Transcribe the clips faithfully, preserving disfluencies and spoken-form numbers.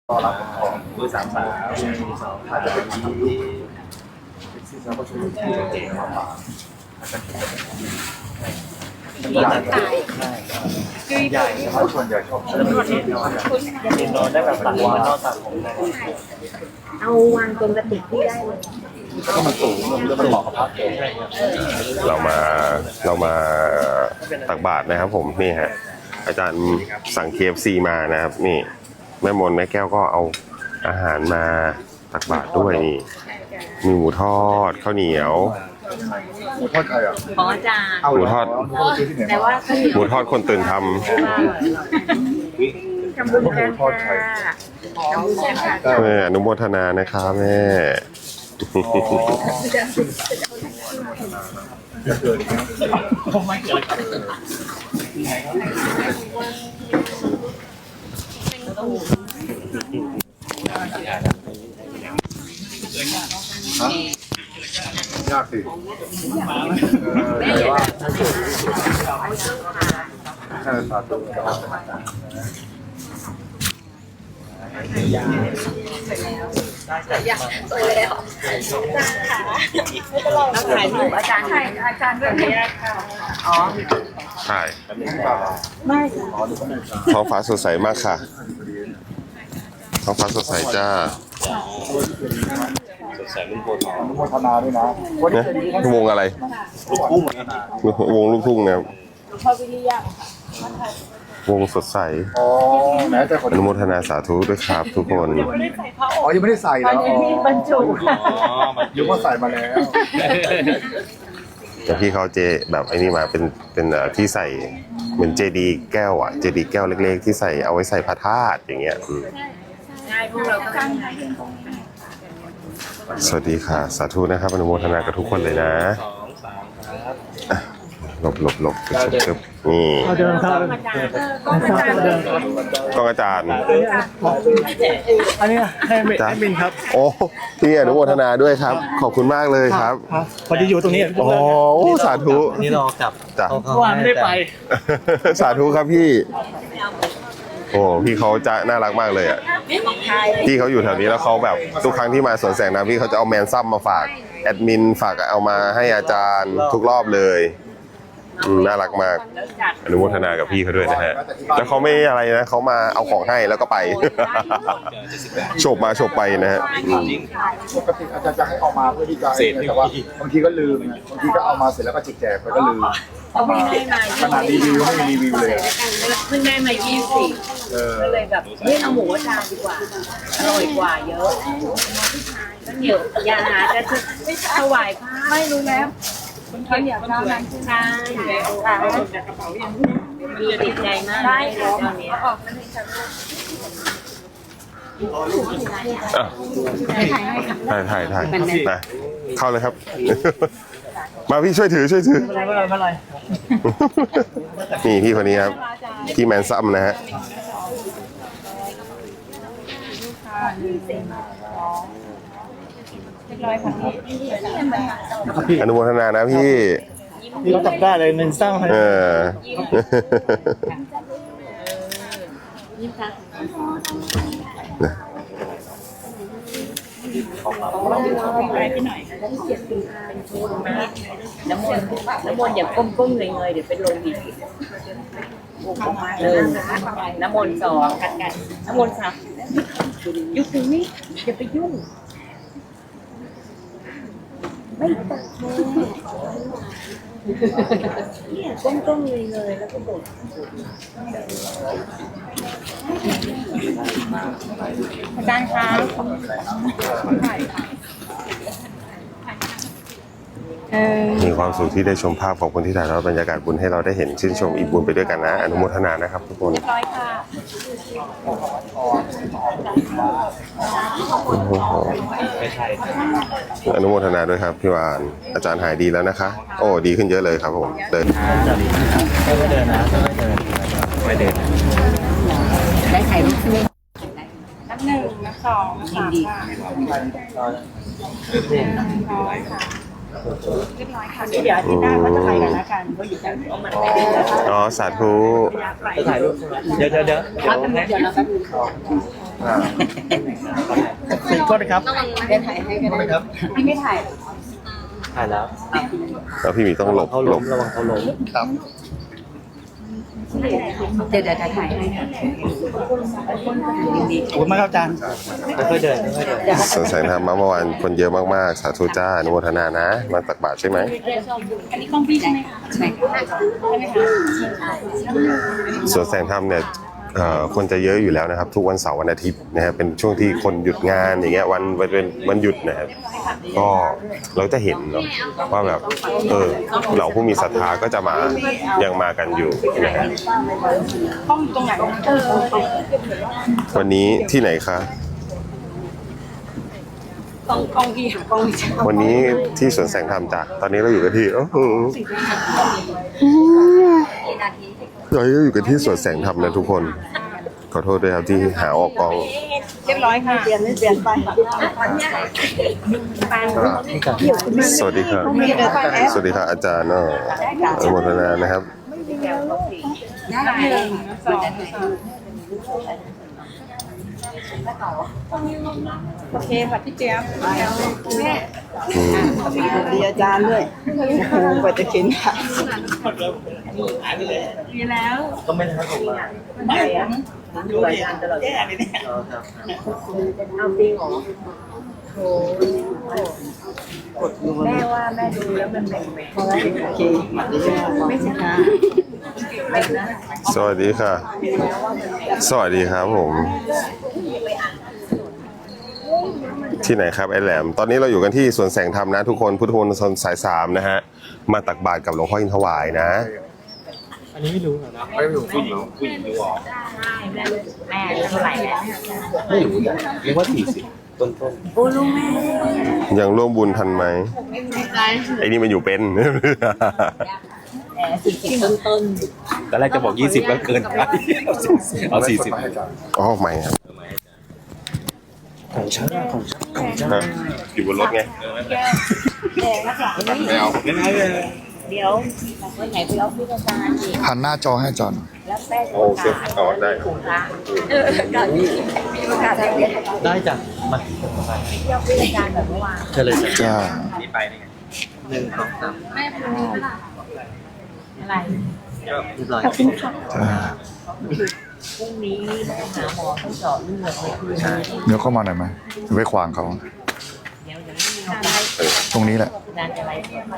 ต่อรับของเบอร์สามสามสองอาจจะเป็นที่ที่เราประชุมที่เก่งมากกว่าใหญ่ใช่ใหญ่เพราะส่วนใหญ่ชอบใช้ประเทศนอนนอนได้แบบตัดว่านอนตัดผมเอาวางตรงกระติกที่ได้เลยก็มันสูงแล้วมันเหมาะกับพักเองเรามาเรามาตักบาตรนะครับผมนี่ฮะอาจารย์สั่ง เค เอฟ ซี มานะครับนี่แม่มนแม่แก้วก็เอาอาหารมาตักบาตรด้วยนี่มีหมูทอดข้าวเหนียวหมูทอดใครอ่ะของอาจารย์หมูทอดแต่ว่าหมูทอดคนตื่นทำทำบุญกันค่ะทำบุญกันค่ะแม่อนุโมทนานะคะแม่จะเกิดอีกไม่เกิดยากสิแต่ว่าแค่สาธุอยากสวยแล้วแล้วถ่ายรูปอาจารย์ถ่ายอาจารย์ด้วยอ๋อใช่ไม่ท้องฟ้าสดใสมากค่ะท้องฟ้าสดใสจ้าสดใสรุ่นโบทองรุ่นโบธนาด้วยนะวงอะไรลูกทุ่งวงลูกทุ่งนะครับวงสดใสอนุโมทนาสาธุด้วยครับทุกคนอ๋อยังไม่ได้ใส่แล้วอ๋อบรรจุยุว่าใส่มาแล้วแต่พี่เขาเจแบบไอ้นี่มาเป็นเป็นที่ใส่เหมือนเจดีแก้วอ่ะเจดีแก้วเล็กๆที่ใส่เอาไว้ใส่พระธาตุอย่างเงี้ยใช่พวกเราก็สวัสดีค่ะสาธุนะครับอนุโมทนากับทุกคนเลยนะหลบหลบหลบเก็บนี่เดินครับกองอาจารย์อันนี้ให้แอดมินครับโอ้พี่อนุโมทนาด้วยครับขอบคุณมากเลยครับพอดีอยู่ตรงนี้โอ้สาธุนี่รอกลับจ้ะว่าไม่ได้ไปสาธุครับพี่โอ้พี่เขาจะน่ารักมากเลยอ่ะพี่เขาอยู่แถวนี้แล้วเขาแบบทุกครั้งที่มาสวนแสงนะพี่เขาจะเอาแมนซัมมาฝากแอดมินฝากเอามาให้อาจารย์ทุกรอบเลยน่ารักมากอนุโมทนากับพี่เขาด้วยนะฮะแล้วเขาไม่อะไรนะเขามาเอาของให้แล้วก็ไปโฉบมาโฉบไปนะฮะปกติอาจารย์จะให้เอามาเพื่อที่จะแต่ว่าบางทีก็ลืมบางทีก็เอามาเสร็จแล้วก็จิกแจกไปก็ลืมขนาดรีวิวไม่มีรีวิวเลยเพิ่งได้มายี่สิบก็เลยแบบเฮ้ยเอาหมูอาจารย์ดีกว่าอร่อยกว่าเยอะก็เดี๋ยวยาหาจะถวายพระไม่รู้แล้วเขาอยากทำนั้นใช่ค่ะติดใจมากได้ตอนนี้ออกมาเลยถ่ายถ่ายถ่ายนะเข้าเลยครับมาพี่ช่วยถือช่วยถือนี่พี่คนนี้ครับพี่แมนซัมนะฮะอนุโมทนานะพี่พี่เราจับได้เลยหนึ่งสร้างเออยิ้มค่ะน้ำมนต์น้ำมนต์อย่าก้มก้มเงยเงยเดี๋ยวเป็นลมอีกเลยน้ำมนต์สองกันกันน้ำมนต์สามยุบตรงนี้อย่าไปยุ่งไม่ตัดเนี่ยก้มๆเลยเลยแล้วก็บดอาจารย์คะมีความสุขที่ได้ชมภาพของคนที่ถ่ายทอดบรรยากาศบุญให้เราได้เห็นชื่นชมอิ่มบุญไปด้วยกันนะอนุโมทนานะครับทุกคนร้อยค่ะอนุโมทนาด้วยครับพี่วานอาจารย์หายดีแล้วนะคะโอ้ดีขึ้นเยอะเลยครับผมเดินไม่เดินนะไม่เดินได้ถ่ายรูปใช่ไหมนับหนึ่งนับสองนับสามค่ะเรียบร้อยค่ะเดี๋ยวอาทิตย์หน้าก็จะไปกันแล้วกันก็อยู่กันเอามันไปอ๋อสาธุถ่ายรูปเดี๋ยวเดี๋ยวเดี๋ยวเดี๋ยวนะโทษนะครับเดี๋ยวถ่ายให้กันนะครับพี่ไม่ถ่ายถ่ายแล้วแล้วพี่หมีต้องหลบเขาหลล้บมระวังเขาล้มครับเดี๋ยวเดี๋ยวถ่ายให้ค่ะขอบคุณมากครับอาจารย์ค่อยๆเดินค่อยๆเดินสวนแสงธรรมเมื่อวานคนเยอะมากๆสาธุจ้าอนุโมทนานะมาตักบาตรใช่ไหมอันนี้กล้องพี่ใช่ไหมคะใช่ค่ะใช่ไหมคะสวนแสงธรรมเนี่ยเอ่อคนจะเยอะอยู่แล้วนะครับ ทุกวันเสาร์วันอาทิตย์นะครับเป็นช่วงที่คนหยุดงานอย่างเงี้ยวันวันเป็นวันหยุดนะครับก็เราจะเห็นเนาะว่าแบบเออเหล่าผู้มีศรัทธาก็จะมายังมากันอยู่นะฮะห้องตรงไหนเออวันนี้ที่ไหนคะกล้องกล้องพี่หากล้องพี่วันนี้ที่สวนแสงธรรมจ้ะตอนนี้เราอยู่กันที่โอ้โหเราอยู่กันที่สวนแสงธรรมนะทุกคนขอโทษด้วยครับที่หาออกกองเรียบร้อยค่ะเปลี่ยนไม่เปลี่ยนไปสวัสดีครับสวัสดีครับอาจารย์เนาะอนุโมทนานะครับได้สองโอเคค่ะพี่เจี๊ยบแม่อืมดีอาจารย์ด้วยโอ้โหกว่าจะเข็นค่ะดีแล้วก็ไม่ได้ให้ผมมาไหนอ่ะดูรายการตลอดแย่เลยเนี่ยเอาจริงเหรอโอ้แม่ว่าแม่ดูแล้วมันแบ่งแบ่งโอเคไม่ใช่ค่ะสวัสดีค่ะ สวัสดีครับผม ที่ไหนครับไอแหลม ตอนนี้เราอยู่กันที่สวนแสงธรรมนะทุกคนพุทธมณฑลสายสามนะฮะมาตักบาตรกับหลวงพ่ออินทวายนะอันนี้ไม่รู้เหรอนะไม่รู้ผู้หญิงผู้หญิงดูออกแม่แม่เท่าไหร่แม่ไม่รู้นะเรียกว่าสี่สิบต้นต้นโอ้ลูกแม่ยังร่วมบุญทันไหมใจไอ้นี่มันอยู่เป็นแต่สี่สิบต้นต้นตอนแรกจะบอกยี่สิบก็เกินไปเอาสี่สิบอ๋อไม่ครับของฉันของฉันของฉันฮะอยู่บนรถไงไม่เอาไม่ได้เลยเดี๋ยววันไหนไปเอาพี่อาจารย์อีกหันหน้าจอให้อาจารย์แล้วแป้งโอเคเอาได้ถุงละเออการมีประกาศอะไรเนี่ยได้จ้ะมาเที่ยวพี่อาจารย์แบบเมื่อวานเชิญเลยจ้ะจ้านี่ไปนี่ไงหนึ่งสองสามอะไรเรียบร้อยจ้าพรุ่งนี้ต้องหาหมอต้องเจาะเลือดเลยคือใช่เดี๋ยวเข้ามาหน่อยไหมไปขวางเขาเดี๋ยวเดี๋ยวไม่มีอะไรตรงนี้แหละนานอะไร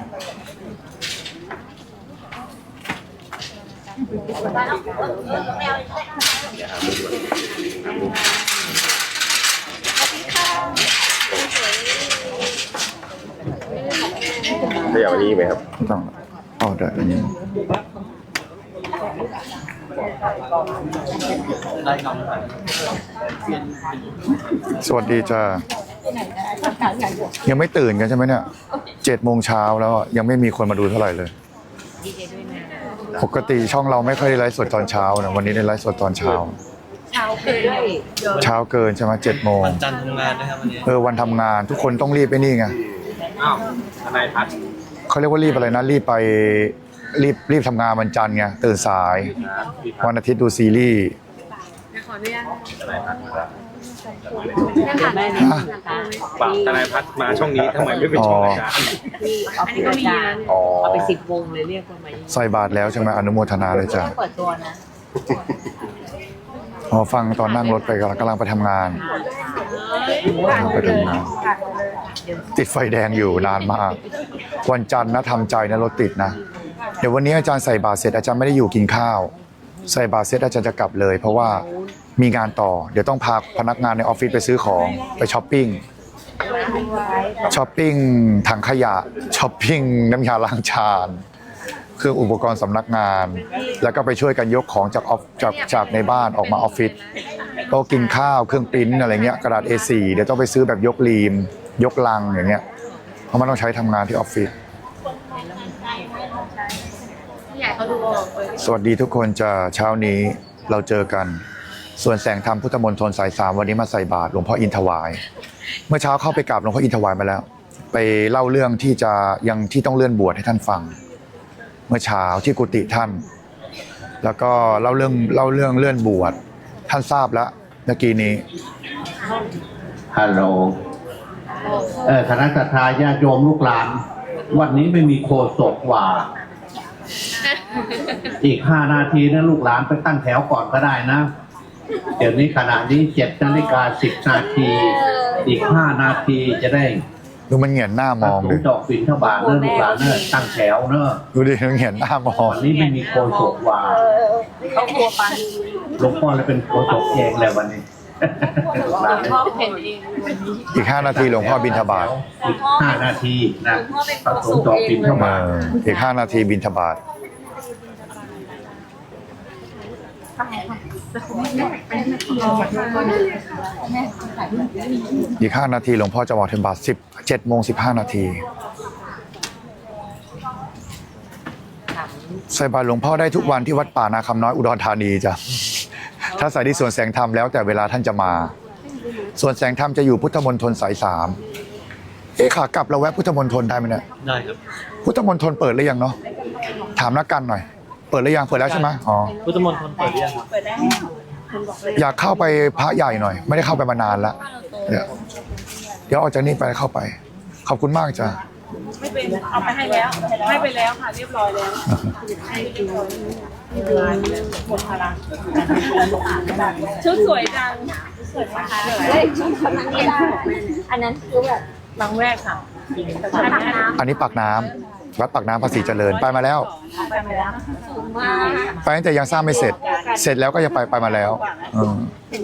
ได้อย่างนี้ไหมครับไม่ต้องอ๋อได้อันนี้ได้ครับสวัสดีจ้ายังไม่ตื่นกันใช่ไหมเนี่ยเจ็ดโมงเช้าแล้วอะยังไม่มีคนมาดูเท่าไหร่เลยดีใจด้วยนะปกติช่องเราไม่ค่อยได้ไลฟ์สดตอนเช้านะวันนี้ได้ไลฟ์สดตอนเช้าเช้าเกินด้วยเช้าเกินใช่ไหมเจ็ดโมงวันจันทร์ทำงานนะครับวันนี้เออวันทำงานทุกคนต้องรีบไปนี่ไงอ้าวทนายพัฒน์เขาเรียกว่ารีบอะไรนะรีบไปรีบรีบทำงานวันจันทร์ไงตื่นสายวันอาทิตย์ดูซีรีส์ขออนุญาตทนายพัฒน์มาแล้วแม่เนี่ยฝากทนายพัฒน์มาช่องนี้ทำไมไม่เป็นช่องอาจารย์ที่ออฟฟิศอาจารย์อ๋อเอาไปสิบวงเลยเรียกว่าไหมใส่บาทแล้วใช่ไหมอนุโมทนาเลยจ้ะต้องเปิดตัวนะอ๋อฟังตอนนั่งรถไปกำลังกำลังไปทำงานกำลังไปทำงาน ติดไฟแดงอยู่นานมาก วันจันทร์นะทำใจนะรถติดนะ เดี๋ยววันนี้อาจารย์ใส่บาตรเสร็จอาจารย์ไม่ได้อยู่กินข้าว ใส่บาตรเสร็จอาจารย์จะกลับเลย เพราะว่ามีงานต่อ เดี๋ยวต้องพาพนักงานในออฟฟิศไปซื้อของไปช้อปปิ้งช้อปปิ้งถังขยะช้อปปิ้งน้ำยาล้างจานเครื่องอุปกรณ์สำนักงาน แล้วก็ไปช่วยกันยกของจากออฟจากจากในบ้านออกมาออฟฟิศโต๊ะกินข้าวเครื่องปริ้นอะไรเงี้ยกระดาษ เอ โฟร์ เดี๋ยวต้องไปซื้อแบบยกรีม ยกลังอย่างเงี้ยเพราะมันต้องใช้ทำงานที่ออฟฟิศสวัสดีทุกคนจะเช้านี้เราเจอกันส่วนแสงธรรมพุทธมณฑลสายสามวันนี้มาใส่บาตรหลวงพ่ออินทวาย เมื่อเช้าเข้าไปกราบหลวงพ่ออินทวายมาแล้ว ไปเล่าเรื่องที่จะยังที่ต้องเลื่อนบวชให้ท่านฟัง เมื่อเช้าที่กุฏิท่าน แล้วก็เล่าเรื่องเล่าเรื่องเลื่อนบวชท่านทราบแล้วเมื่อกี้นี้ฮัลโหล เออคณะศรัทธาญาติโยมลูกหลาน วันนี้ไม่มีโคศกว่า อีกห้านาทีนะลูกหลานไปตั้งแถวก่อนก็ได้นะ เดี๋ยวนี้ขณะนี้เจ็ดนาฬิกาสิบนาที อีกห้านาทีจะได้ดูมันเหงียนหน้ามองสูดิงดอกบินทบาทเนอะลูกหลานเนอะตั้งแถวเนอะดูดิมันเหงียนหน้ามองวันนี้ไม่มีโคศกว่าเขากลัวปันหลวงพ่อเลยเป็นโคศกเองเลยวันนี้ ลูกหลานพ่อเป็นเองอีกห้านาทีหลวงพ่อบิณฑบาตอีกห้านาทีนะพระสงฆ์ดอกบินทเอบาทออีกห้านาทีบิณฑบาตอีกห้านาทีหลวงพ่อจะบอกเทมบาทสิบเจ็ดโมงสิบห้านาทีใส่บาตรหลวงพ่อได้ทุกวันที่วัดป่านาคำน้อยอุดรธานีจ้ะถ้าใส่ที่สวนแสงธรรมแล้วแต่เวลาท่านจะมาส่วนแสงธรรมจะอยู่พุทธมณฑลสายสามเอ๊ะขากลับเราแวะพุทธมณฑลได้ไหมเนี่ยได้ครับพุทธมณฑลเปิดหรือยังเนาะถามนักกันหน่อย เปิดหรือยังเปิดแล้วใช่ไหมอ๋อพุทธมณฑลเปิดหรือยังครับเปิดได้อยากเข้าไปพระใหญ่หน่อย ไม่ได้เข้าไปมานานละเดี๋ยวเดี๋ยวออกจากนี้ไปเข้าไป ขอบคุณมากจ้ะไม่เป็นเอาไปให้แล้วให้ไปแล้วค่ะเรียบร้อยแล้วให้เรียบร้อยหมดพลังชุดสวยจังสวยมากเลยอันนั้นคือแบบบางแรกค่ะอันนี้ปากน้ำวัดปากน้ำภาษีเจริญไปมาแล้วไปมาแล้วมาไปตั้งแต่ยังสร้างไม่เสร็จ เสร็จแล้วก็จะไปไปมาแล้วอืม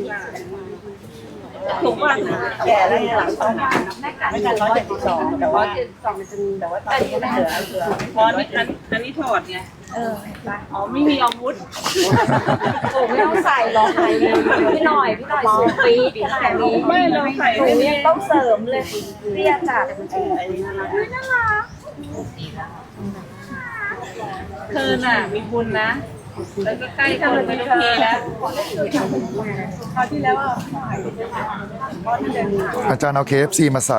ถูกป่ะแก่แล้วหลังต้องไม่กันร้อยเจ็ดสิบสองแต่ว่าสองมันจะมีแต่ว่าตอนนี้เหลือเหลือเพราะนี่อันอันนี้ถอดไงเอออ๋อไม่มีอาวุธโอ้ไม่ต้องใส่หรอกพี่หน่อยพี่หน่อยสูงปี๊ดขนาดนี้ไม่เราใส่หนูไม่ยังต้องเสริมเลยเรียจัดเธอน่ะมีบุญนะแล้วก็ใกล้คนไม่ต้องเทแล้วคราวที่แล้วอ่ะอาจารย์เอา เค เอฟ ซี มาใส่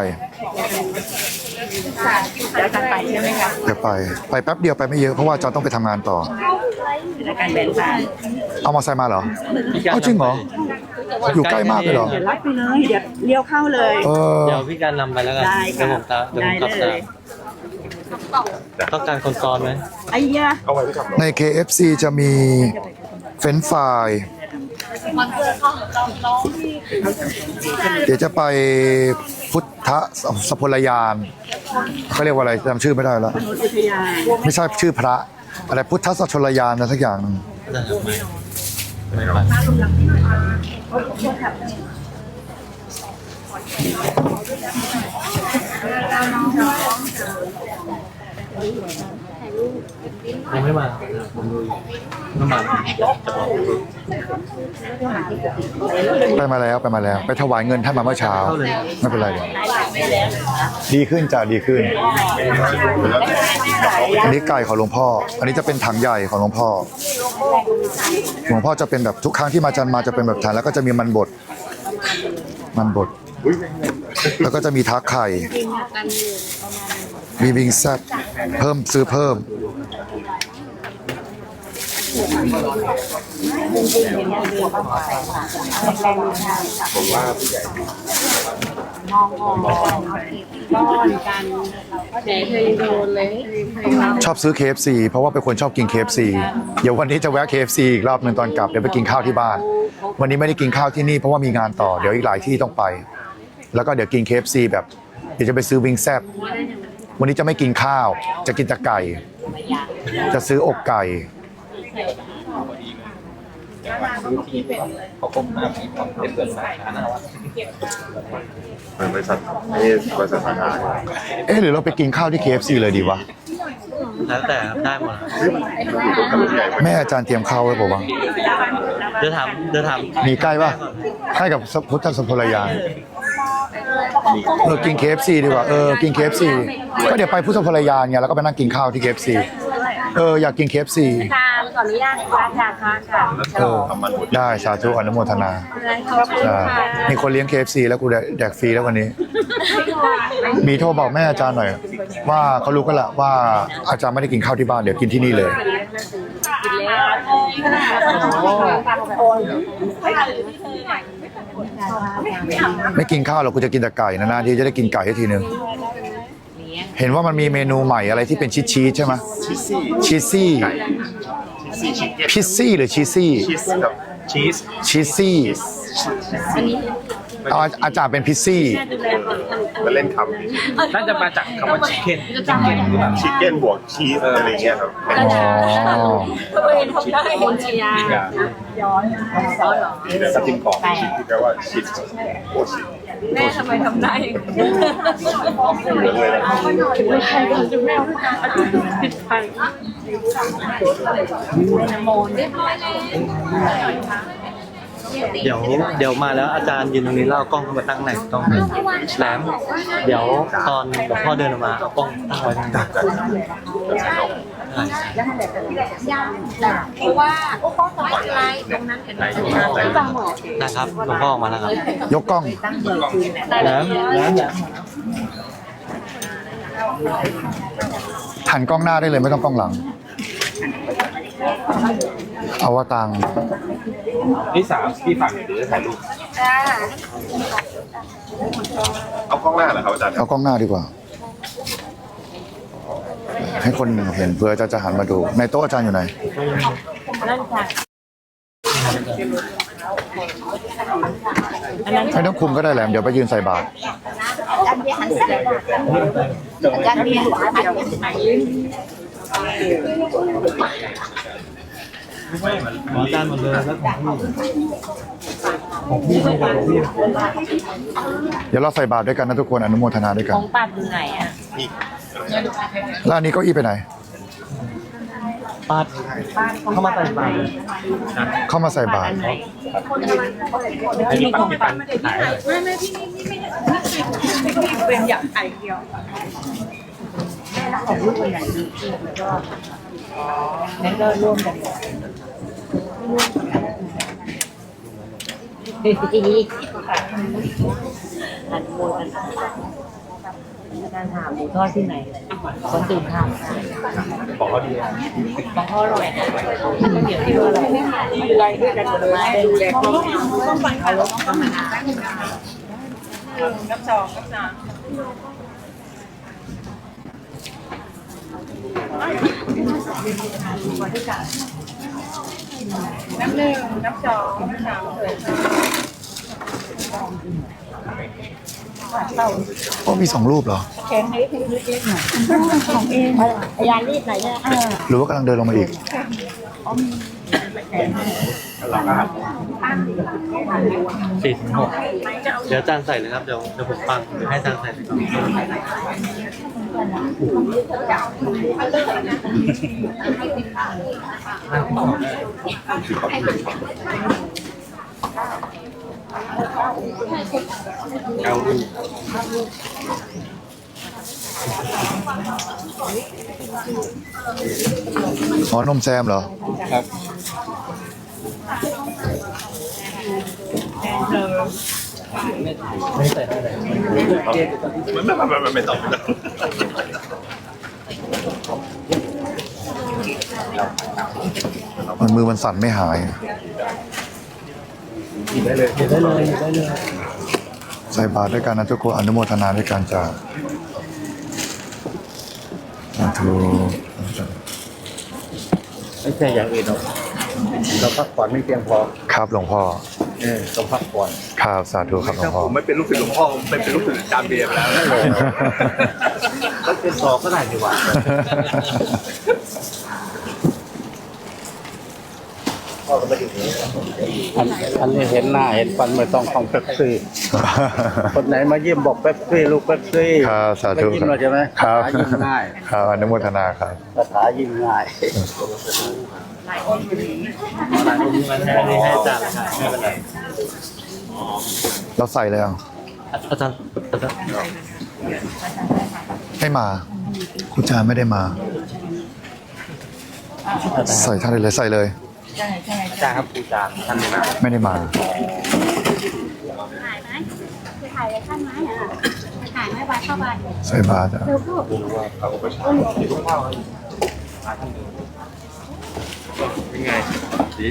เดี๋ยวจะไปใช่ไหมคะเดี๋ยวไป ไปแป๊บเดียวไปไม่เยอะเพราะว่าอาจารย์ต้องไปทำงานต่อในการแบ่งปันเอามาใส่มาเหรอเอาจริงเหรออยู่ใกล้มากเลยเหรอเดี๋ยวรับไปเลยเดี๋ยวเลี้ยวเข้าเลยเออเดี๋ยวพี่การนำไปแล้วกันได้เดี๋ยวผมตามเดี๋ยวผมกลับได้ตาเลยมต้องการคนซ้อนไหมไอ้ยะใน เค เอฟ ซี จะมีเฟรนช์ฟรายเดี๋ยวจะไปพุทธสพลยานเขาเรียกว่าอะไรจำชื่อไม่ได้แล้วอุทยานไม่ใช่ชื่อพระอะไรพุทธสัชลยานนะสักอย่างหนึ่งได้ครับไม่ไม่ไปยังไม่มาผมดูอยู่ไม่มาจะบอกไปมาแล้วไปมาแล้ว ไปถวายเงินท่านมาเมื่อเช้า ไม่เป็นไรเดี๋ยวดีขึ้นจ้ะดีขึ้น อันนี้ไก่ของหลวงพ่อ อันนี้จะเป็นถังใหญ่ของหลวงพ่อ หลวงพ่อจะเป็นแบบทุกครั้งที่มาจันมาจะเป็นแบบถังแล้วก็จะมีมันบด มันบด แล้วก็จะมีทักไข่ มีวิงแซ่บเพิ่มซื้อเพิ่ม ชอบซื้อ เค เอฟ ซี เพราะว่าเป็นคนชอบกิน เค เอฟ ซี เดี๋ยววันนี้จะแวะ เค เอฟ ซี อีกรอบหนึ่งตอนกลับเดี๋ยวไปกินข้าวที่บ้าน วันนี้ไม่ได้กินข้าวที่นี่เพราะว่ามีงานต่อเดี๋ยวอีกหลายที่ต้องไป แล้วก็เดี๋ยวกิน เค เอฟ ซี แบบเดี๋ยวจะไปซื้อวิงแซ่บวันนี้จะไม่กินข้าว จะกินแต่ไก่ จะซื้ออกไก่ขอก้มหน้าพี่ผมได้เปิดสาขาหน้าวัดเป็นบริษัทนี่บริษัทสาขาเอ๊ะหรือเราไปกินข้าวที่ เค เอฟ ซี เลยดีวะแล้วแต่ครับได้หมดครับแม่อาจารย์เตรียมข้าวไว้ป่าวะเดี๋ยวถามเดี๋ยวถามมีใกล้ป่ะใกล้กับพุทธสพลยานเออกิน เค เอฟ ซี ดีกว่าเออกิน เค เอฟ ซี ก็เดี๋ยวไปพุทธพลยานไงแล้วก็ไปนั่งกินข้าวที่ เค เอฟ ซี เอออยากกิน เค เอฟ ซีค่ะขออนุญาตค่ะค่ะค่ะค่ะเออได้สาธุอนุโมทนาขอบคุณใช่ค่ะมีคนเลี้ยง เค เอฟ ซี แล้วกูแดกแดกฟรีแล้ววันนี้ มีโทรบอกแม่อาจารย์หน่อย ว่าเขารู้กันละว่าอาจารย์ไม่ได้กินข้าวที่บ้านเดี๋ยวกินที่นี่เลยโอนไม่กินข้าวหรอกกูจะกินแต่ไก่นานๆทีจะได้กินไก่ทีนึงเห็นว่ามันมีเมนูใหม่อะไรที่เป็นชีสชีสใช่ไหมชีสซี่พิซซี่หรือชีสซี่ชีสชีสซี่เอาอาจารย์เป็นพิซซี่มาเล่นคน่าจะมาจากคำว่าชิคเก้นชิคเก้นหรือเปล่าำชิคเก้นบวกชีสอะไรเงี้ยครับอ๋อตัวเองทำได้คนเชียร์ย้อนย้อนหรอนี่นะจิ้มกรอบชีสที่แปลว่าชีสโอชีสแม่ทำไมทำได้เหลืองเลยนะใครก็จะแม่ผิดพันโมนเรียบร้อยแล้วเดี๋ยวเดี๋ยวมาแล้วอาจารย์ยืนตรงนี้แล้วเอากล้องเข้ามาตั้งไหนกล้องแหลมเดี๋ยวตอนหลวงพ่อเดินออกมาเอากล้องตั้งไว้ตรงนั้นเพราะว่าโอ้โหสบายไรตรงนั้นเห็นไหมจังหวะนะครับหลวงพ่อออกมาแล้วครับยกกล้องแหลมแหลมหันกล้องหน้าได้เลยไม่ต้องกล้องหลัง เอาว่าตังนี่สามพี่ฝากเดี๋ยวจะถ่ายรูปเอากล้องหน้าเหรอครับอาจารย์เอากล้องหน้าดีกว่า ให้คนเห็นเพื่อจะจะหันมาดู ในโต๊ะอาจารย์อยู่ไหน ไม่ต้องคุมก็ได้แหละเดี๋ยวไปยืนใส่บาตรจันเบียร์อาจารย์หมออาจารย์หมดเลยแล้วของพี่ของพี่ของพี่เดี๋ยวเราใส่บาตรด้วยกันนะทุกคนอนุโมทนาด้วยกันของปัดอยู่ไหนอ่ะแล้วอันนี้เก้าอี้ไปไหนปาดเข้ามาใส่บาตรเข้ามาใส่บาตรให้พี่ปันพี่ปันถ่ายไม่ไม่พี่นี่นี่ไม่ไม่พี่เป็นอยากไอเดียวงั้นก็ร่วมกันหันโมกันการหาหมูทอดที่ไหนคนตื่นทำบอกเขาดีของเขาอร่อยนะเดี๋ยวที่ว่าอะไรอะไรด้วยกันมาดูแลเขาต้องฟังเขาธรรมดากับสองกับสามน้ำหนึ่งน้ำสองน้ำสามเลยโอ้มีสองรูปเหรอแข็งให้ให้เล็กๆหน่อยของเองพยานรีดไหนเนี่ยหรือว่ากำลังเดินลงมาอีกสี่ถึงหกเดี๋ยวอาจารย์ใส่เลยครับเดี๋ยวเดี๋ยวผมฟังเดี๋ยวให้อาจารย์ใส่เลยครับเอารูปอ๋อนมแซมเหรอครับไม่ใส่ได้เลยมันไม่ไม่ไม่ไม่ต้องมันมือมันสั่นไม่หายหยิบได้เลยหยิบได้เลยหยิบได้เลยใส่บาตรด้วยกันนะทุกคนอนุโมทนาด้วยกันจ้าสาธุไม่ใช่อย่างอื่นหรอกเราพักผ่อนไม่เพียงพอครับหลวงพ่อเออต้องพักผ่อนครับสาธุครับหลวงพ่อผมไม่เป็นลูกศิษย์หลวงพ่อผมเป็นลูกศิษย์อาจารย์เบียร์ไปแล้วก็เป็นสอบก็ได้ดีกว่า อันอันนี้เห็นหน้าเห็นฟันไม่ต้องของเป๊ปซี่ คนไหนมาเยี่ยมบอกเป๊ปซี่ลูกเป๊ปซี่ครับสาธุไม่ยิ้มเราใช่ไหมครับคาถายิ้มง่ายครับอนุโมทนาครับคาถายิ้มง่ายหลายองค์มันให้ให้อาจารย์ครับไม่เป็นไรเราใส่เลยอ่ะอาจารย์อาจารย์ไม่มาคุณจารย์ไม่ได้มา ใส่ท่านได้เลยใส่เลยอาจารย์ครับครูอาจารย์ท่านนี้นะไม่ได้มาถ่ายไหมคือถ่ายเลยข้างไม้อ่ะถ่ายไม่บาเข้าไปใส่บาตรอะเร็วลูกเป็นไงดีดี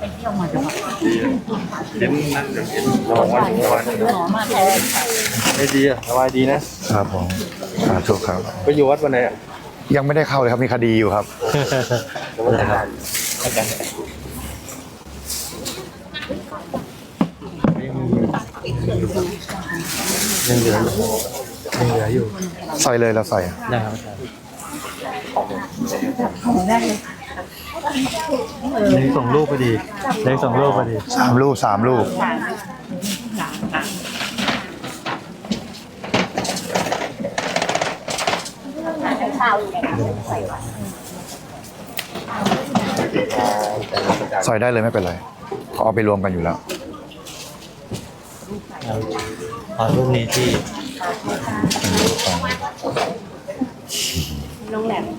เต็มนั่นเต็มระวังวันระวังไม่ดีอ่ะสบายดีนะครับผมสาธุครับไปอยู่วัดวันไหนอ่ะยังไม่ได้เข้าเลยครับมีคดีอยู่ครับยังเหลืออยู่ยังเหลืออยู่ใส่เลยเราใส่ได้ครับอาจารย์เลยส่งรูปพอดีเลยส่งรูปพอดีสามลูกสามลูกใส่ได้เลยไม่เป็นไรเขาเอาไปรวมกันอยู่แล้วขอรูปนี้ที่น้องแหลม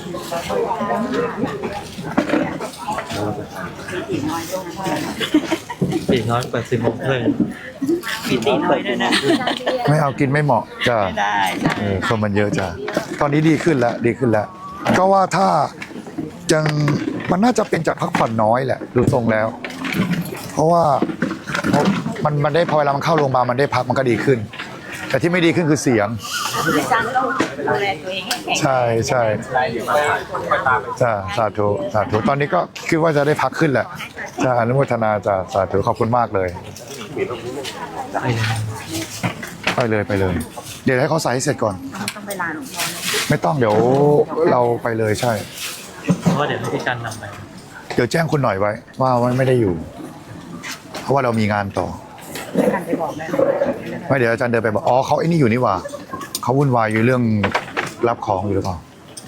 ปีกน้อยเปิดสิบโมงครึ่งมีตีน้อยด้วยนะไม่เอากินไม่เหมาะจ้ะได้เออคนมันเยอะจ้ะตอนนี้ดีขึ้นแล้วดีขึ้นแล้ว ก็ว่าถ้ายังมันน่าจะเป็นจากพักผ่อนน้อยแหละดูทรงแล้ว เพราะว่าเพราะมันมันได้พอเวลามันเข้าโรงพยาบาลมันได้พักมันก็ดีขึ้น แต่ที่ไม่ดีขึ้นคือเสียงอาจารย์ต้องดูแลตัวเองให้แข็งใช่ใช่จ้าสาธุสาธุตอนนี้ก็คิดว่าจะได้พักขึ้นแหละจ้าอนุโมทนาจ้าสาธุขอบคุณมากเลย ไปเลยไปเลย เดี๋ยวให้เขาใส่ให้เสร็จก่อนต้องไปลาหลวงพ่อนะไม่ต้องเดี๋ยวเราไปเลยใช่เพราะว่าเดี๋ยวให้พี่กันนำไปเดี๋ยวแจ้งคุณหน่อยไว้ ว่ามันไม่ได้อยู่ เพราะว่าเรามีงานต่ออาจารย์ไปบอกแม่ไม่เดี๋ยวอาจารย์เดินไปบอกอ๋อเขาไอ้นี่อยู่นี่หว่าเขาวุ่นวายอยู่เรื่องรับของอยู่หรือเปล่า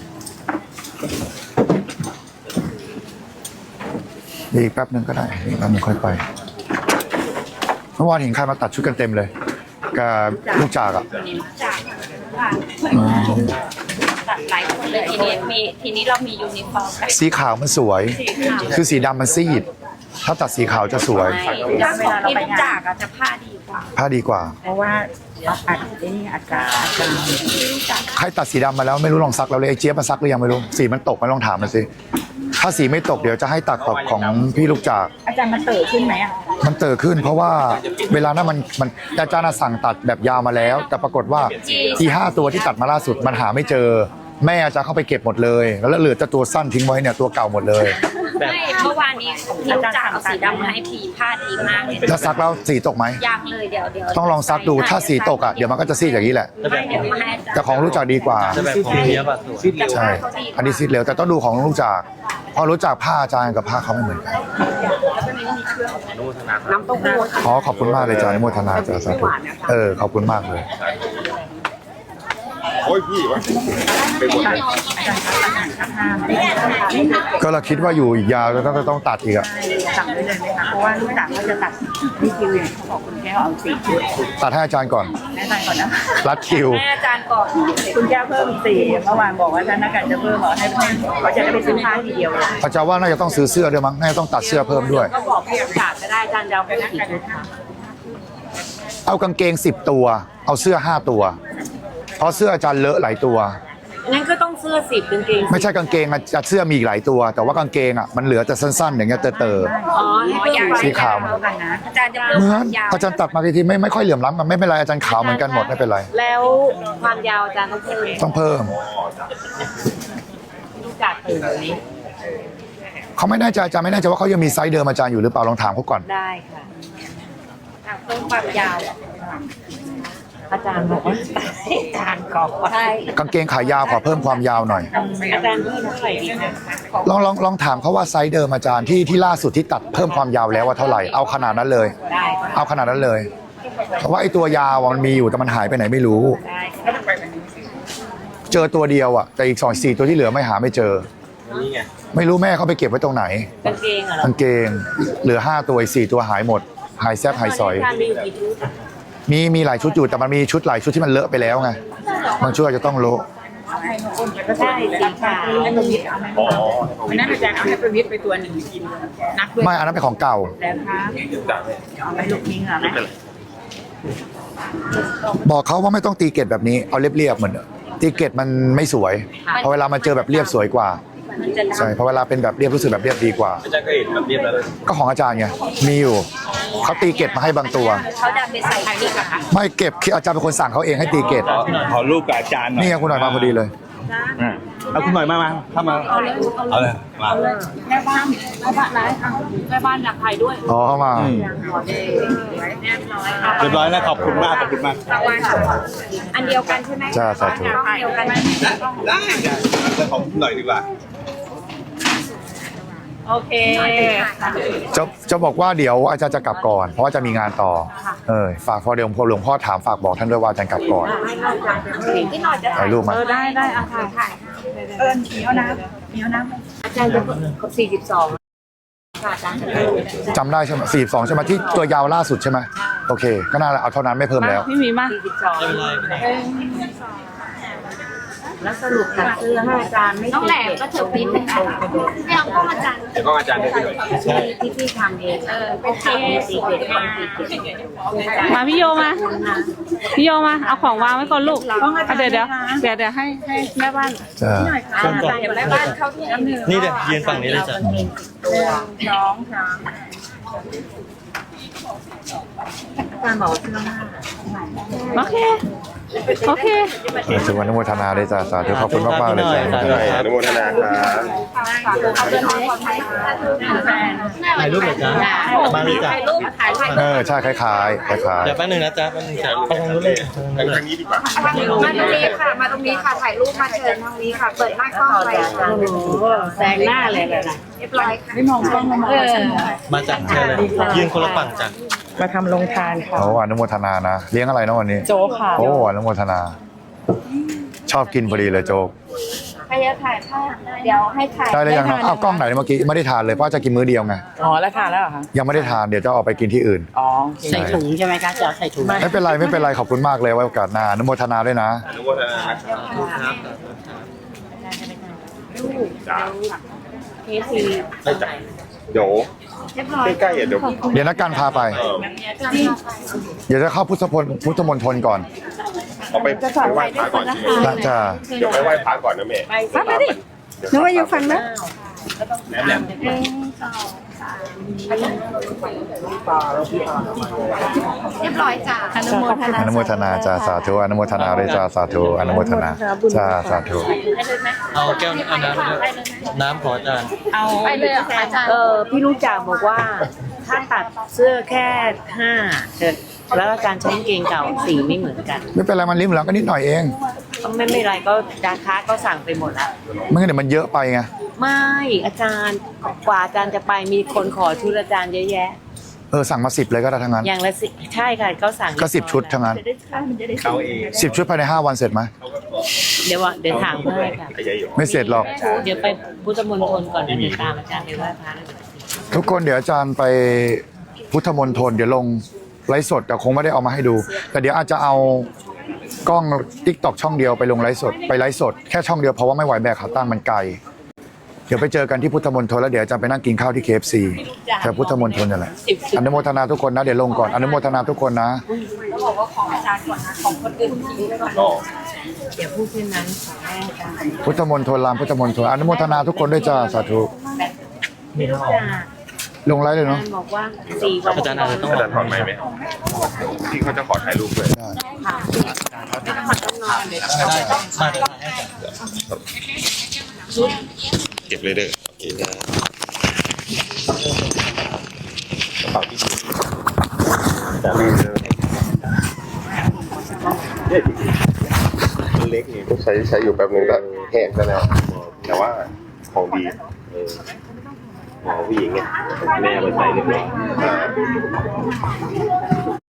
อีกแป๊บนึงก็ได้อีกแป๊บนึงค่อยไปเมื่อวานเห็นใครมาตัดชุดกันเต็มเลยกับลูกจากอ่ะจากอืมตัดหลายคนเลยทีนี้มีทีนี้เรามียูนิฟอร์มกันสีขาวมันสวย คือสีดำมันซีด ถ้าตัดสีขาวจะสวยถ้าของที่ลูกจากอะจะผ้าดีกว่าผ้าดีกว่าเพราะว่าอัดไอ้นี่อาจารย์อาจารย์ใครตัดสีดำมาแล้วไม่รู้ลองซักแล้วเลยไอ้เจี๊ยบมาซักหรือยังไม่รู้สีมันตกไหมลองถามมันสิถ้าสีไม่ตกเดี๋ยวจะให้ตัดกับของพี่ลูกจากอาจารย์มันเติบขึ้นไหมอ่ะมันเติบขึ้น เพราะว่าเวลานั้นมันมันอาจารย์น่ะสั่งตัดแบบยาวมาแล้ว แต่ปรากฏว่าที่ห้าตัวที่ตัดมาล่าสุดมันหาไม่เจอ แม่อาจารย์เข้าไปเก็บหมดเลย แล้วเหลือแต่ตัวสั้นทิ้งไว้เนี่ยตัวเก่าหมดเลยแบบไม่เมื่อวานนี้พี่ลูกจากเอาสีดำมาให้พีผ้าดีมากเลยแล้วซักแล้วสีตกไหมยากเลยเดี๋ยวเดี๋ยวต้องลองซักดูถ้าสีตกอ่ะเดี๋ยวมันก็จะซีดอย่างนี้แหละจะแบไม่บเดี๋ยวมาให้อาจารย์แต่ของรู้จักดีกว่าจะแบบของเนี้ยบอะสวยใช่ อันนี้ซีดเร็วแต่ต้องดูของรู้จักพอรู้จักผ้าอาจารย์กับผ้าเขาไม่เหมือนกันน้ำเต้าหู้ขอขอบคุณมากเลยอาจารย์อนุโมทนาจ้าสาธุเออขอบคุณมากเลยโอ้ยพี่วะไปหมดก็เราคิดว่าอยู่อีกยาวแล้วต้องต้องตัดอีกอะสั่งได้เลยไหมคะเพราะว่าลูกจากเขาจะตัดนี่คิวอย่างเขาบอกคุณแก้วเอาสี่คิวตัดให้อาจารย์ก่อนแม่ใจก่อนนะรัดคิวให้อาจารย์ก่อนคุณแก้วเพิ่มสี่เมื่อวานบอกว่าท่านนักการจะเพิ่มบอกให้เพิ่มเขาจะได้ไปซื้อผ้าทีเดียวเลยอาจารย์ว่าน่าจะต้องซื้อเสื้อด้วยมั้งน่าจะต้องตัดเสื้อเพิ่มด้วยก็บอกพี่ลูกจากก็ได้อาจารย์จะเอาไปกี่ชุดคะเอากางเกงสิบตัว เอาเสื้อห้าตัว เพราะเสื้ออาจารย์เลอะหลายตัวงั้นก็ต้องเสื้อสิบกางเกงไม่ใช่กางเกงอะอาเสื้อมีอีกหลายตัว แต่ว่ากางเกงอะมันเหลือแต่สั้นๆ อย่างเงี้ยเตออ๋อให้เพิ่มสีขาวเท่ากันนะอาจารย์จะๆเพิ่มเหมืคอวาน มยาวอาจารย์ตัดมาทีทีไม่ไม่ค่อยเหลื่อมล้ำกันไม่เป็นไรอาจารย์ขาวเหมือนกันหมดไม่เป็นไรแล้วความยาวอาจารย์ต้องเพิ่มต้องเพิ่มลูกจากตื่นแบบนี้เขาไม่แน่ใจอาจารย์ไม่แน่ใจว่าเขายังมีไซส์เดิมอาจารย์อยู่หรือเปล่าลองถามเขาก่อนได้ค่ะอ่ะเพิ่มความยาว อาจารย์บอกว่าอาจารย์ก่อนใช่กางเกงขายาวขอเพิ่มความยาวหน่อยอาจารย์เพิ่มเท่าไหร่ดีคะลองลองลองถามเขาว่าไซส์เดิมอาจารย์ที่ที่ล่าสุดที่ตัดเพิ่มความยาวแล้วว่าเท่าไหร่เอาขนาดนั้นเลยได้เอาขนาดนั้นเลยเพราะว่าไอ้ตัวยาวอะมันมีอยู่แต่มันหายไปไหนไม่รู้ได้ค่ะเจอตัวเดียวอ่ะแต่อีกสองสี่ตัวที่เหลือไม่หาไม่เจอนี่ไงไม่รู้แม่เขาไปเก็บไว้ตรงไหนกางเกงเหรอกางเกง เหลือห้าตัวอีกสี่ตัวหายหมด หายแซบหายสอยอาจารย์มีอยู่กี่ชุดมีมีหลายชุดอยู่แต่มันมีชุดหลายชุดที่มันเลอะไปแล้วไงบางชุดอาจจะต้องโละใช่สีขาวให้ประวิทย์เอาไหมวันนั้นอาจารย์เอาให้ประวิทย์ไปตัวหนึ่งกินนักด้วยไม่อันนั้นเป็นของเก่าแล้วคะเอาไปลูกนิ้งเหรอไหมบอกเขาว่าไม่ต้องตีเกล็ดแบบนี้เอาเรียบๆเหมือนตีเกล็ดมันไม่สวยพอเวลามาเจอแบบเรียบสวยกว่ามมันจะดำใช่เพราะเวลาเป็นแบบเรียบรู้สึกแบบเรียบดีกว่าอาจารย์ก็เห็นแบบเรียบแล้วก็ของอาจารย์ไงมีอยู่เขาตีเกตมาให้บางตัวเขาดันไปใส่พริกอะค่ะไม่เก็บคืออาจารย์เป็นคนสั่งเขาเองให้ตีเกตขอขอรูปกับอาจารย์หน่อยนี่ไงคุณหน่อยมาพอดีเลยอ่ะเอาคุณหน่อยมามาเข้ามาเอาเลยเอาเลยมาเอาเลยแม่บ้านแม่บ้านไหนแม่บ้านอยากถ่ายด้วยอ๋อเข้ามาอืมเรียบร้อยเรียบร้อยแล้วขอบคุณมากขอบคุณมากอันเดียวกันใช่ไหมจ้าสาธุอันเดียวกันไหมได้ได้แล้วขอบคุณหน่อยดีกว่าโอเคจะจะบอกว่าเดี๋ยวอาจารย์จะกลับก่อน เพราะว่าจะมีงานต่อเออฝากพอเดี๋ยวพอหลวงพ่อถามฝากบอกท่านด้วยว่าอาจารย์กลับก่อนที่หน่อยจะถ่ายรูปมาเออได้ได้เอาถ่ายถ่ายเอิญเหนียวน้ำเหนียวน้ำอาจารย์จะสี่สิบสองค่ะอาจารย์จำได้ใช่ไหมสี่สองใช่ไหมที่ตัวยาวล่าสุดใช่ไหมโอเค ก็น่าเอาเท่านั้นไม่เพิ่มแล้วพี่มีมาสี่สิบสองไม่เป็นไรไม่เป็นไรแล้วสรุปตัดเสื้อให้อาจารย์ไม่น้องแหลมก็ถือพิษเป็นไม่เอากล้องอาจารย์เดี๋ยวก็อาจารย์ได้ด้วยที่ที่พี่ทำเองเออโอเคสีเกตความสีเกตมาพี่โยมา พี่โยมาเอาของวางไว้ก่อนลูกเอาเดี๋ยวเดี๋ยวเดี๋ยวเดี๋ยวให้ให้แม่บ้านจ้าอาจารย์แม่บ้านเข้าที่น้ำหนึ่งนี่เดี๋ยวยืนฝั่งนี้เลยจ้ะสองสามอาจารย์บอกเสื้อผ้าโอเค โอเคถึงวันอนุโมทนาเลยจ้าสาธุขอบคุณมากมากๆเลยจ้าหน่อยอนุโมทนาครับถ่ายรูปเลยจ้ะมาเลยจ้ะถ่ายรูปถ่ายรูปเออใช่คล้ายๆคล้ายเดี๋ยวแป๊บนึงนะจ๊ะแป๊บนึงถ่ายรูปไปทางนู้นเลยทางนู้นเลยทางนี้ดีกว่ามาตรงนี้ค่ะ มาตรงนี้ค่ะ ถ่ายรูปมาเชิญทางนี้ค่ะ เปิดหน้ากล้องไปค่ะแซงหน้าเลยเลยนะเรียบร้อยค่ะไม่มองกล้องมาเออมาจากเชิญเลยยืนคนละฝั่งจ้ะมาทำลงทานๆค่ะโอ้อนุโมทนานะเลี้ยงอะไรนะวันนี้โจ๊กค่ะโอ้อนุโมทนา ชอบกินพอดีเลยโจ๊กใครจะถ่ายภาพเดี๋ยวให้ถ่ายได้เลยยังนะอ้าวกล้องไหนเมื่อกี้ไม่ได้ทานเลยเพราะจะกินมื้อเดียวไงอ๋อ แล้วทานแล้วเหรอคะยังไม่ได้ทานเดี๋ยวจะออกไปกินที่อื่นอ๋อใส่ถุงใช่ไหมคะจะใส่ถุงไม่เป็นไรไม่เป็นไรขอบคุณมากเลยไว้โอกาสหน้าอนุโมทนาด้วยนะอนุโมทนาครับจ้าเคสีได้จ้ะเดี๋ยวใกล้ๆอ่ะเดี๋ยวเดี๋ยวนักการพาไปเออเดี๋ยวจะเข้าพุทธพลพุทธมณฑลก่อนเอาไปไปไหว้พระก่อนใช่ไหมนะจ้าเดี๋ยวไปไหว้พระก่อนนะแม่ไปดินึกว่าอยู่ฝั่งนั้นแหลมแหลมเรียบร้อยจ้ะอนุโมทนาอนุโมทนาจ้าสาธุอนุโมทนาด้วยจ้าสาธุอนุโมทนาจ้าสาธุเอาแก้วเอาน้ำด้วยน้ำขออาจารย์เอาไปเลยเหรอคะอาจารย์เออพี่ลูกจ่าบอกว่า ถ้าตัดเสื้อแค่ห้าแล้วอาจารย์ใช้กางเกงเก่าสีไม่เหมือนกันไม่เป็นไรมันริมหลังก็นิดหน่อยเองก็ไม่ไม่ไรก็ดาค้าก็สั่งไปหมดแล้วไม่งั้นเดี๋ยวมันเยอะไปไงไม่อาจารย์กว่าอาจารย์จะไปมีคนขอชุดอาจารย์เยอะแยะเออสั่งมาสิบเลยก็ได้ทั้งนั้นอย่างละสิใช่ค่ะก็สั่งก็สิบชุดทั้งนั้นเขาเองสิบชุดภายในห้าวันเสร็จไหมเดี๋ยวว่าเดี๋ยวถามเพื่อนค่ะขยายอยู่ไม่เสร็จหรอกเดี๋ยวไปพุทธมณฑลก่อนเดี๋ยวตามอาจารย์ไปไหว้พระทุกคนเดี๋ยวอาจารย์ไปพุทธมณฑลเดี๋ยวลงไลฟ์สดแต่คงไม่ได้เอามาให้ดู แต่เดี๋ยวอาจจะเอากล้องติ๊กตอกช่องเดียวไปลงไลฟ์สดไปไลฟ์สดแค่ช่องเดียวเพราะว่าไม่ไหวแบกขาตั้งมันไกลเดี๋ยวไปเจอกันที่พุทธมณฑลแล้วเดี๋ยวอาจารย์ไปนั่งกินข้าวที่ เค เอฟ ซี แถวพุทธมณฑลนั่นแหละอนุโมทนาทุกคนนะเดี๋ยวลงก่อนอนุโมทนาทุกคนนะเดี๋ยวพูดเช่นนั้นขอให้อาจารย์พุทธมณฑลรามพุทธมณฑลอนุโมทนาทุกคนด้วยจ้าสาธุพี่ลูกจ่าลงไลฟ์เลยอาเนาะจารย์บอกว่าสี่วันอาจารย์อาจจะต้องอาจารย์ถอดไหมค์ไหมที่เขาจะขอถ่ายรูปด้วยได้ค่ะไม่ต้องมาต้องนอนเดี๋ยวได้มาเดี๋ยวให้อาจารย์เก็บเลยเด้อโอเคนะกระเป๋าที่ดีแต่ลืมเลยมันเล็กนี่ต้องใช้ใช้อยู่แป๊บนึงก็แห้งซะแล้วแต่ว่าของดีเออหมอผู้หญิงเนี่ยแม่มาใส่เรียบร้อย